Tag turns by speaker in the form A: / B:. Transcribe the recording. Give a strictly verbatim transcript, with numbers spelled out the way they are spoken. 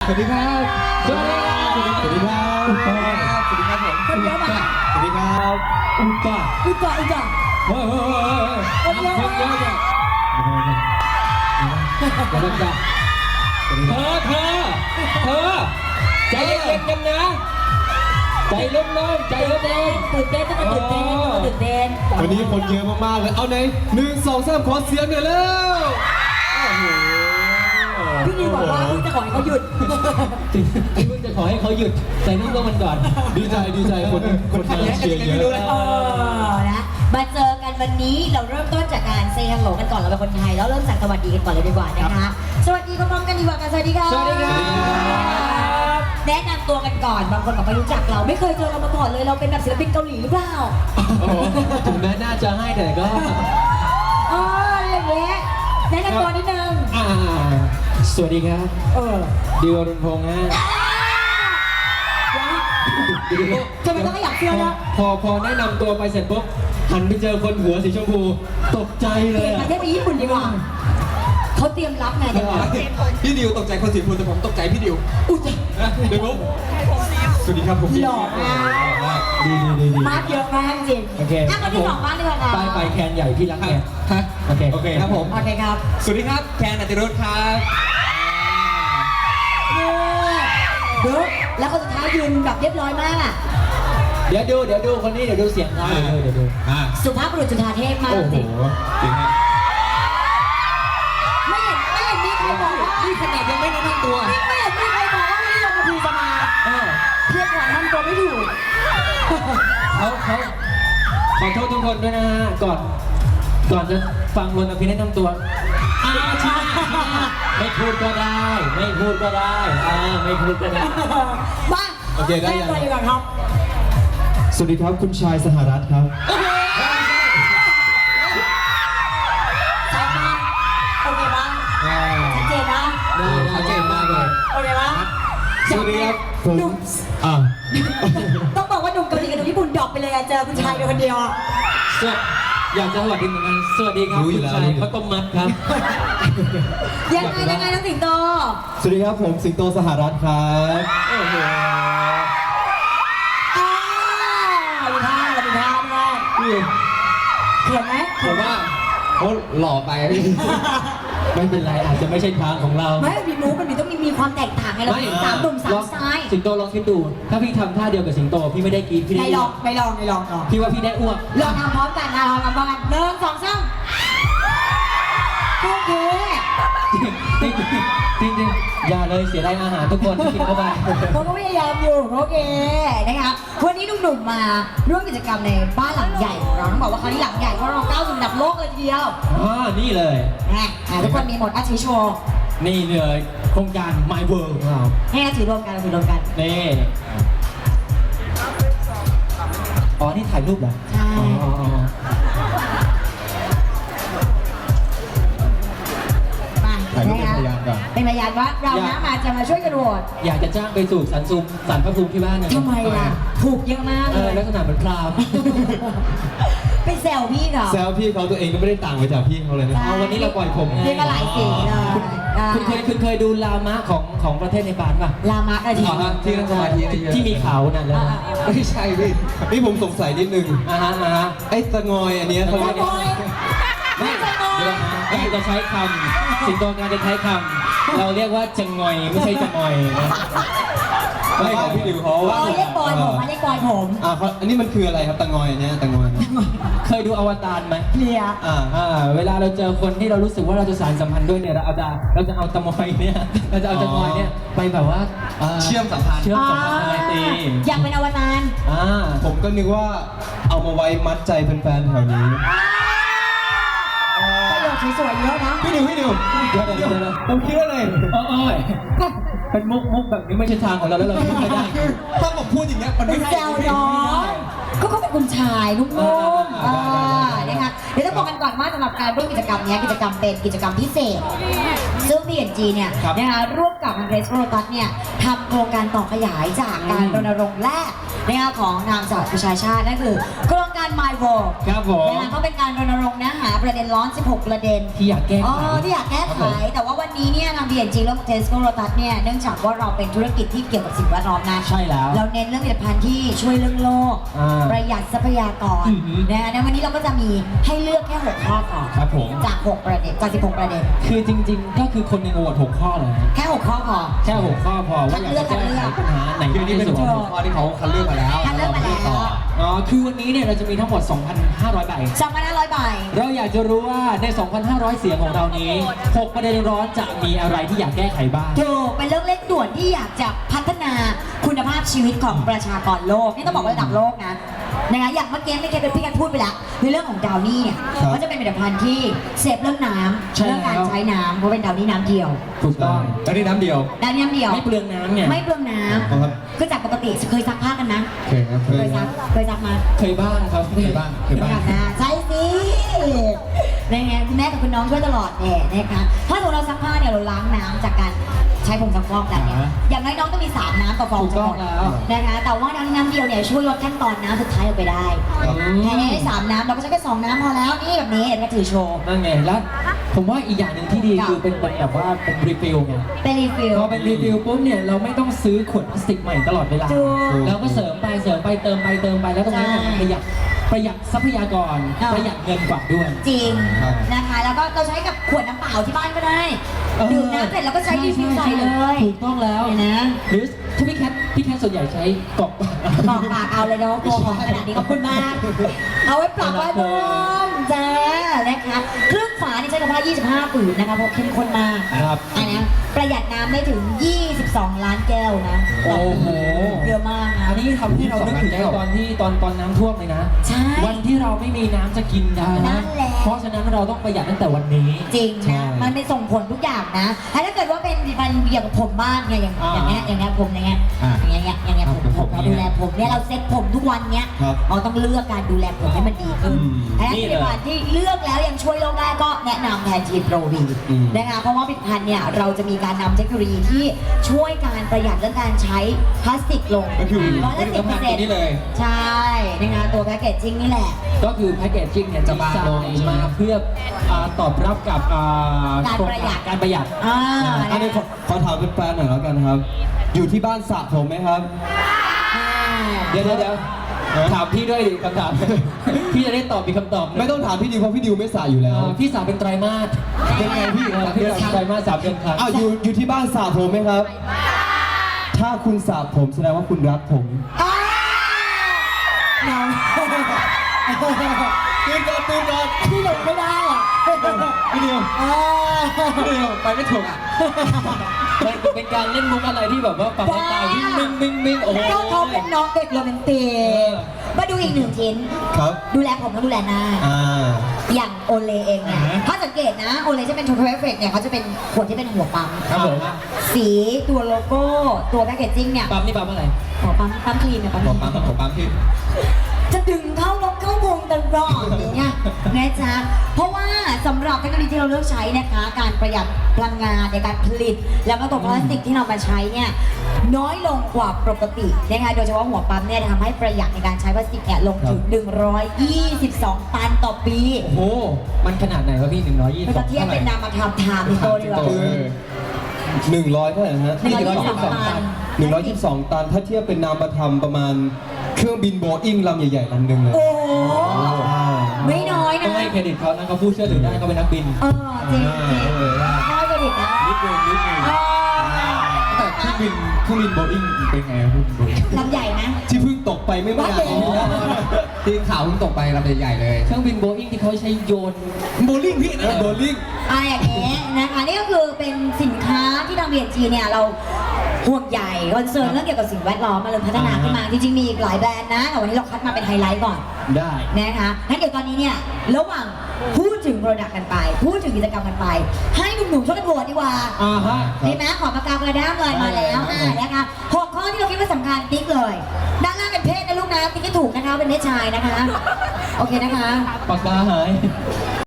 A: สวัสดีครับสวัสดีครับสวัสดีครับสวัสดีครับสวัสดีครับผม
B: คนเยอะมาก
A: สวัสดีครับอุปะ
B: อุจจาอุจจา
A: เฮ้ยเฮ้ยเฮ้ย
B: คนเยอะ
A: คนเย
B: มา
A: อะ
B: ก
A: จังเดี๋ยวจ้ะเธอเธอเธอใจเย็นๆกันนะใจเริ่มๆใจเริ่ม
B: ตื่นเต้นต้องมาตื่นเต้นต้องมาตื่นเต้น
A: ๆวันนี้คนเยอะมากๆเลยเอาไหนหนึ่งสองสามขอเสียงหน่อยแล้วโอ้โห
B: พี่นิวบอกว่าพี่จะขอให้เขาหยุด
C: พี่เพิ่งจะขอให้เขาหยุดใส่ลูกลงมันก่อน
A: ดีใจดีใจคนคนไทยเชียร์เยอะ
B: เออนะมาเจอกันวันนี้เราเริ่มต้นจากการเซฮัลโหลกันก่อนเราเป็นคนไทยแล้วเริ่มสั่งสวัสดีกันก่อนเลยดีกว่านะคะสวัสดีพร้อมๆกันดีกว่ากันสวัสดีค่ะ
A: สวัสดีครับ
B: แนะนำตัวกันก่อนบางคนบอกไม่รู้จักเราไม่เคยเจอเรามาก่อนเลยเราเป็นแบบศิลปินเกาหลีหรือเปล่า
C: โอ้โหถึงแม้น่าจะให้แต่ก็
B: อ๋ออย่างเงี้ยแนะนำตัวนิดนึง
C: อ่าสวัสดีครับ
B: เออ
C: ดิวอรุณพงษ์ฮะ
B: ทำไมต้องขยับเสื้อนะ
C: พอพอแนะนำตัวไปเสร็จปุ๊บหันไปเจอคนหัวสีชมพูตกใจ
B: เป
C: เล
B: ลี่ย
C: ย
B: นป
C: อะ
B: ระเทศไปญี่ปุ่นดีกว่าเขาเตรียมรับไงเดี๋ยวก่อน
A: พี่ดิวตกใจคนสีพูแต่ผมตกใจพี่ดิว
B: อุ้ย
A: เดี๋ยวผมสวัสดีครับผม
B: หล่อมาก
C: ดีดีดีดี
B: มาเยอะมากจริง
C: โอเค
B: อ่ะคนที่สองบ้านดีกว่าค่ะ
C: ป้ายไฟแคนใหญ่พี่รักแก
A: ฮะ
C: โอเค
A: โอเคครับผม
B: โอเคครับ
A: สวัสดีครับแคนอติรุธครับ
B: เดี๋ยวแล้วคนสุดท้ายยืนแบบเรียบร้อยมากอ่ะ
C: เดี๋ยวดูเดี๋ยวดูคนนี้เดี๋ยวดูเสียงเขาเดี๋ยวดูเดี๋ยวดู
A: อ่า
B: สุภาพบุรุษจุฑาเทพมาก
A: โอ้
B: จ
A: โห
B: ริง
A: จริงฮะ
B: ไม่เห็นไม่เห็นมีใครบอกว่า
A: นี่ขนาดยังไม่แนะนำตัว
B: ไม่เห็นมีใครบอกว่าวันนี้ลงมาพีจะมา
C: เออ
B: เพียงหวานทำตัวไม่ถูก
C: เขาเขาขอโทษทุกคนด้วยนะฮะก่อนก่อนจะฟังรนอภิแนะนำตัวอ้าวใช่ไม่พูดก็ได้ ไม่พูดก็ได้อ่าไม่พูดก็ได้
B: มา
A: โอเคได้
B: แนะ
A: ยัง
B: นำตัวดีกว่าครับ
A: สวัสดีครับคุณชายสหรัฐครับ
B: ชัดมากโอเคปะชัดเจนนะ
C: ได้ชัดเจนมากเลย
B: โอเคปะ
A: สวัสดีครับผม
B: หนุ่ม
A: อ่า
B: ต้องบอกว่าหนุ่มเกาหลีกับหนุ่มญี่ปุ่นดรอปไปเลยอะเจอคุณชายเป็นคนเดียวอะ
C: สวัสอยากจะสวัสดีเหมือนกันสวัสดีครับคุณชายข้าวต้มมัดครับ
B: ยังไงยังไงน้องสิงโต
A: สวัสดีครับผมสิงโตสหรัฐครับ
C: โอ้โห
B: อ่ามีท่ามีท่าด้วย
A: นี่
B: เขียนไหม
A: ผมว่าเขาหล่อไปพี่
C: ไม่เป็นไรอาจจะไม่ใช่ทางของเรา
B: ไม่มีมูฟมันมีต้องมีมีความแตกต่างไงเราเป็นสามหนุ่มสามสาย
C: สิงโตลองคิดดู ถ้าพี่ทำท่าเดียวกับสิงโตพี่ไม่ได้กรีดพี่
B: ไม่
C: ได้
B: ลองไม่ลองไม่ลองลอง
C: พี่ว่าพี่ได้อ้วก
B: ลองทำพร้อมกันนะลองทำพร้อมกันหนึ่งสองสามโอเค
C: จริงจริงจริงจริงอย่าเลยเสียดายอาหารทุกคนที่กินเข้าไป
B: เขาก็พยายามอยู่โอเคนะคะวันนี้หนุ่มๆมาร่วมกิจกรรมในบ้านหลังใหญ่ของเราต้องบอกว่าคราวนี้หลังใหญ่เพราะเราก้าวสู่ระดับโลกเลยทีเดียว
C: อ่านี่เลย
B: นะอ่ะทุกคนมีหมดอาชีโชว์
C: นี่เลยโครงการ My World ของเรา
B: ให้ถือรวมกันถือรวมกัน
C: นี่อ๋อ นี่ถ่ายรูปเหรอ
B: ใช่
C: อ๋ออ๋ออ๋อ
B: มา
A: ถ่ายรูปเป็นพยานก่อน
B: เป็นพยานว่าเรานะมาจะมาช่วยกันโหวต
C: อยากจะจ้างไปสู่สันซุมสันพระภูมิที่บ้านนะ
B: ทำไมล่ะถูกเยอะมาก
C: เอ
B: เล
C: อยลักษณะเหมือนพราหมณ์
B: ไปแซวพี่เขา
A: แซวพี่เขาตัวเองก็ไม่ได้ต่างไปจากพี่เขาเลยนะ
C: เอาวันนี้เราปล่อยผมไง
B: เรียกว่าหลายสีเลย
C: คุณเคยคุณเคยดูลามะของของประเทศในปานป่ะ
B: ลามะอะไรที
A: อ๋อฮะที่นั่งสมาธิเยอะๆ
C: ที่มีเขานั่นแล้วนะ
A: ไม่ใช่พี่นี่ผมสงสัยนิดนึง
C: อ่าฮะอ่าฮะ
A: ไอ้ตะงอยอันเนี้ยเขา
B: จะ
A: เรียก
B: บอยไม่จะบอย
C: เดี๋ยวการจะใช้คำสิงโตการจะใช้คำเราเรียกว่าจะงอยไม่ใช่จะงอยนะ
A: ไม่ของพี่ดิวเขา
B: บอยเรียกบอยผมมาเรียกบอยผม
A: อ่าเขาอันนี้มันคืออะไรครับตะงอยอันเนี้ยตะงอย
C: เคยดูอวตารไหม
B: เคลียร์
A: อ่า
C: อ่าเวลาเราเจอคนที่เรารู้สึกว่าเราจะสานสัมพันธ์ด้วยเนี่ยเราเอาจะเราจะเอาตะมอยเนี่ยเราจะเอาจะงอยเนี่ยไปแบบว่า
A: เชื่อมสัมพันธ์
C: เชื่อมสัมพันธ์อะไรตี
B: อยากเป็นอวตาร
C: อ่า
A: ผมก็นึกว่าเอามาไว้มัดใจแฟนๆแถวนี้
B: ประโยชน์สวยๆเยอะนะ
A: พี่ดิวพี่ดิว
C: เดี๋ยวเดี๋ยวเดี๋ยวเดี๋ยว
A: ผมคิดว่าอะไร
C: เออเอยเป็นมุกมุกแบบนี้ไม่ใช่ทางของเราแล้วเราพูดไม่ได้
A: ถ้าผมพูดอย่างเงี้ยมัน
B: เป็
A: ไม่
B: น
A: ใช่
B: แซวน้องก็เขาเป็นคุณชายนุ่มๆ
C: อ่า
B: อ่า
C: ได้ได้ได้
B: นะคะเดี๋ยวต้องบอกกันก่อนว่าสำหรับการร่วมกิจกรรมเนี้ยกิจกรรมเป็นกิจกรรมพิเศษ ซึ่ง บี เอ็น จี เนี่ย
C: ครับ
B: นะคะร่วมกับทางเรสโรตัสเนี่ยทำโครงการต่อขยายจากการ
C: อืม
B: รณรงค์แรกนะคะของทางสหประชาชาตินั่นคือโครงการ My World
C: ครับผม
B: นะคะก็เป็นการรณรงค์นะหาประเด็นร้อน สิบหก ประเด็น
C: ที่อยากแก้ไข
B: อ๋อที่อยากแก้ไขแต่ว่าวันนี้เนี่ยทาง บี แอนด์ จี และ Tesco Lotus เนี่ยเนื่องจากว่าเราเป็นธุรกิจที่เกี่ยวกับสิ่งแวดล้อมนะ
C: ใช่แล้ว
B: เราเน้นเรื่องผลิตภัณฑ์ที่ช่วยเรื่องโลก
C: อ่า
B: ประหยัดทรัพยากร
C: อือหือ
B: นะคะในวันนี้เราก็จะมีให้เลือกแค่หกข้อก่อน
C: ครับผม
B: จากหกประเด็นจากสิบหกประเด็น
C: คือจริงๆ ก็คือคนหนึ่งโหวตหกข้อเลย
B: แค่หกข้อพอ
C: แค่หกข้อพอว่าอยากจะแก้ไขปัญหาไหน
A: คือนี่เป็น
C: ที่สุด
A: หัวข้อที่เขาคัดเลือกมาแล้ว
B: คัดเลือกมาแล้ว
C: อ๋อคือวันนี้เนี่ยเราจะมีทั้งหมด สองพันห้าร้อย ใบ
B: สองพันห้าร้อยใบ
C: เราอยากจะรู้ว่าใน สองพันห้าร้อย เสียงของเรานี้หกประเด็นร้อนจะมีอะไรที่อยากแก้ไขบ้าง
B: ถูกเป็นเรื่องเร่งด่วนที่อยากจะพัฒนาคุณภาพชีวิตของประชากรโลก นี่ต้องบอกว่าระดับโลกนะนะคะอย่างเมื่อกี้ไม่เคยเป็นพี่กันพูดไปแล้วในเรื่องของดาวนี่เนี่ยก็จะเป็นผลิตภัณฑ์ที่เซฟเรื่องน้
C: ใช่
B: ำเรื่องการ
C: แล้ว
B: ใช้น้ำเพราะเป็นดาวนี่น้ำเดียว
C: ถูกต้อง
A: แล้วนี่น้ำเดียว
B: ดาวนี่น้ำเดียว
C: ไม่เปลืองน้ำเนี่ย
B: ไม่เปลืองน้
A: ครับ
B: ำคือจากปกติเคยซักผ้ากันนะ
A: เคยครับ
B: เคยซักเคยซักมา
C: เคยบ้างครับ
A: เคยบ้างเคยบ้าง
B: นะใช่สิในไงคุณแม่กับคุณน้องช่วยตลอดเนี่ยนะคะถ้าสมมติเราซักผ้าเนี่ยเราล้างน้ำจากการใช้ผงซักฟอกกันเนี่ย
C: อ่า
B: อย่างน้อยน้องต้องมีสามน้ำต่อฟอง
C: ถูกต้อง
B: จะหมด
C: แล้ว
B: นะคะแต่ว่าน้ำน้ำเดียวเนี่ยช่วยลดขั้นตอนน้ำสุดท้ายออกไปได้
A: ครับ
B: แค่นี้สามน้ำเราก็ใช้แค่สองน้ำพอแล้วนี่แบบนี้เห็นไหมถือโชว์
C: นั่นไงแล้วผมว่าอีกอย่างหนึ่งที่ดี
B: ค่ะ
C: คือเป็นแบบว่าเป็นรีฟิลไง
B: เป็นรีฟิล
C: พอเป็นรีฟิลปุ๊บเนี่ยเราไม่ต้องซื้อขวดพลาสติกใหม่ตลอดเวลา
B: ถูก
C: เราก็เสริมไปเสริมไปเติมไปเติมไปแล้วตรงนี้เนี่ย
B: ใช่
C: ประหยัดประหยัดทรัพยากร
B: อ่า
C: ประหยัดเงินกว่าด้วย
B: จริง
A: ครับ
B: นะคะแล้วก็เราใช้กับขวดน้ำเปล่าที่บ้านก็ได้
C: เออ
B: ดื่มน้ำเสร็จแล้วก็ใช้รีฟิลใส่เลย
C: ถูกต้องแล้ว
B: เห็นนะ
C: หรือถ้าพี่แคทพี่แคทส่วนใหญ่ใช้กล่อง
B: บอกปากเอาเลยเนาะตัวของขนาดนี้ขอบคุณมาก เอาไว้ปรับไว้บนจ้านะคะเครื่องฝานี่ใช้กับผ้ายี่สิบห้าผืนนะคะเพราะเข้มข้นมาก
C: ครับ
B: อันนี้ประหยัดน้ำได้ถึง ยี่สิบสอง ล้านแก้วนะ
C: โอ้โห
B: เยอะมากนะ
C: อันนี้ทำให้เรานึกถึงในตอนที่ตอนตอนน้ำท่วมเลยนะ
B: ใช่
C: วันที่เราไม่มีน้ำจะกินนะ
B: นั่นแหละ
C: เพราะฉะนั้นเราต้องประหยัดตั้งแต่วันนี้
B: จริง
C: ใช่
B: นะมันเป็นส่งผลทุกอย่างนะถ้าเกิดว่าเป็นมันอย่างผมบ้างเนี่ยอย่าง
C: อ่า
B: อย่างเงี้ยอย่างเงี้ยผมอย่างเงี้ย
A: อ่า
B: อย่างเงี้ยอย่างเงี้ยผม
A: ครับ
B: ผม
A: ผม
B: เราดูแลผมเนี่ยเราเซ็ตผมทุกวันเนี้ย
A: ครับ
B: เราต้องเลือกการดูแลผมให้มันดีขึ้น
A: อืม
B: อันนั้นผลิตภัณฑ์ที่เลือกแล้วยังช่วยโลกได้ก็แนะนำแทนทีโปรวี
A: อืม
B: นะคะเพราะว่าผลิตภัณฑ์เนี่ยเราจะมีการนำเทคโนโลยีที่ช่วยการประหยัดเรื่องการใช้พลาสติกลง
A: ก็คือ
B: ร้อยละสิบเปอร์เซ็นต์
A: นี่เลย
B: ใช่นะคะตัวแพคเกจจิ้งนี่แหละ
C: ก็คือแพคเกจจิ้งเนี่ย
A: จะบางลง
C: ดีไซน์มาเพื่ออ่าตอบรับกับอ่า
B: การประหยัด
C: การประหยัด
B: อ่า
A: อันนี้ขอขอถามเป็นแฟนหน่อยแล้วกันครับ อยู่ที่บ้านสระผมไหมครับ
C: เดี๋ยวเดี๋ยวเดี๋ยวถามพี่ด้วยดิคำถาม พี่จะได้ตอบมีกคำตอบหนึ่
A: ไม่ต้องถามพี่ดิวเพราะพี่ดิวไม่สระอยู่แล้ว
C: อ่าพี่สาวเป็นไตรมาส
A: เป็นไงพี่
C: เออพี่สาวเป็นไตรมาสสามเดือนครั้ง
A: อ้าวอยู่อยู่ที่บ้านสระผมไหมครับ ถ้าคุณสระผมแสดงว่าคุณรักผม
B: อ้าวเนา
A: ตื่นก่อนตื่นก่อน
B: พี่หลงไม่ได้อ่ะ
A: พี่ดิว
B: อ่า
A: พี่ดิวไปไม่ถูกอ่ะ
C: มันเป็นการเล่นมุกอะไรที่แบบว่าฟังแล้วตาวิ่งมิ่งมิ่งมิ่งโอ้โห
B: ก็เขาเป็นน้องเด็กโรแมนติกมาดูอีกหนึ่งชิ้น
A: ครับ
B: ดูแลผมแล้วดูแลหน้า
A: อ่า
B: อย่างโอเลเองเนี่ย
C: อ่าฮะ
B: ถ้าสังเกตนะ โอเลจะเป็นโทรเฟกเนี่ยเขาจะเป็นขวดที่เป็นหัวปั๊ม
C: ครับผม
B: สีตัวโลโก้ ตัวแพคเกจจิ้งเนี่ย
C: ปั๊มนี่ปั๊มอะไร
B: หัวปั๊มปั๊มครีมเนี่ยปั๊มค
A: ผ
B: รี
A: ม
B: ม
A: ปั๊มผมปั๊มพี่
B: จะดึงเข้ารถเข้าวงตลอดอย่างเงี้ยนะจ๊ะ เพราะว่าสำหรับเทคโนโลยีที่เราเลือกใช้นะคะ การประหยัดพลังงานในการผลิต แล้วก็ตัวพลาสติกที่เรามาใช้เนี่ยน้อยลงกว่าปกตินะคะโดยเฉพาะหัวปั๊มเนี่ยทำให้ประหยัดในการใช้พลาสติกเนี่ยลงถึง หนึ่งร้อยยี่สิบสอง ตันต่อปี
C: โอ้โห มันขนาดไหนวะพี่หนึ่งร้อยยี่สิ
B: มัน
C: บสอ
B: จะ
C: ง
B: เทียบเป็นนามธรรมทามพิโตดีกว่า
A: คือหนึ่งร้อยเท่าไหร่นะฮะ
B: หนึ่งร้อยยี่สิบสองตัน
A: หนึ่งร้อยยี่สิบสองตัน ถ้าเทียบเป็นนามธรรมประมาณเครื่องบินโบอิ้งลำใหญ่ๆลำหนึ่งเลย
B: โอ้โหไม่น้อย
C: ต้อ
B: นะ
C: งให้เครดิตเขานะเขาพูดเชื่อถือได้เขาเป็นนักบิน
B: เออจริงจริงน้อยกว่าดิบนะ
A: นิดนึงนิดนึง
B: เออ
A: แต่เครื่องบินเครื่องบินโบอิ้งเป็นไงครับคุณโบอิ้ง
B: ลำใหญ่นะ
A: ที่เพิ่งตกไปไม่นานนี้นะที่ข่าวเพิ่งตกไปลำใหญ่ๆเลย
C: เครื่องบินโบอิงที่เขาใช้โยน
A: โบลิ่งพี่นะโบลิ่ง
B: อ่าอย่างนี้นะคะนี่ก็คือเป็นสินค้าที่ทาง บี เอ็น จี เนี่ยเราห่วงใหญ่คอนเซิร์นเรื่องเกี่ยวกับสิ่งแวดล้อมมาเลยพัฒนาขึ้นมาจริงๆมีอีกหลายแบรนด์นะแต่วันนี้เราคัดมาเป็นไฮไลท์ก่อน
C: ได้
B: นะคะงั้นเดี๋ยวตอนนี้เนี่ยระหว่างพูดถึงโปรดักต์กันไป พูดถึงกิจกรรมกันไป ให้หนุ่มๆช่วยกันโหวตดีกว่า
C: อ่าฮะ
B: ดีไหมขอปากกากระด้ามเลยมาแล้วอ่านะคะหกข้อที่เราคิดว่าสำคัญติ๊กเลยด้านล่างเป็นเพศนะลูกนะติ๊กให้ถูกนะคะเป็นเพศชายนะคะโอเคนะคะ
C: ปากกาหาย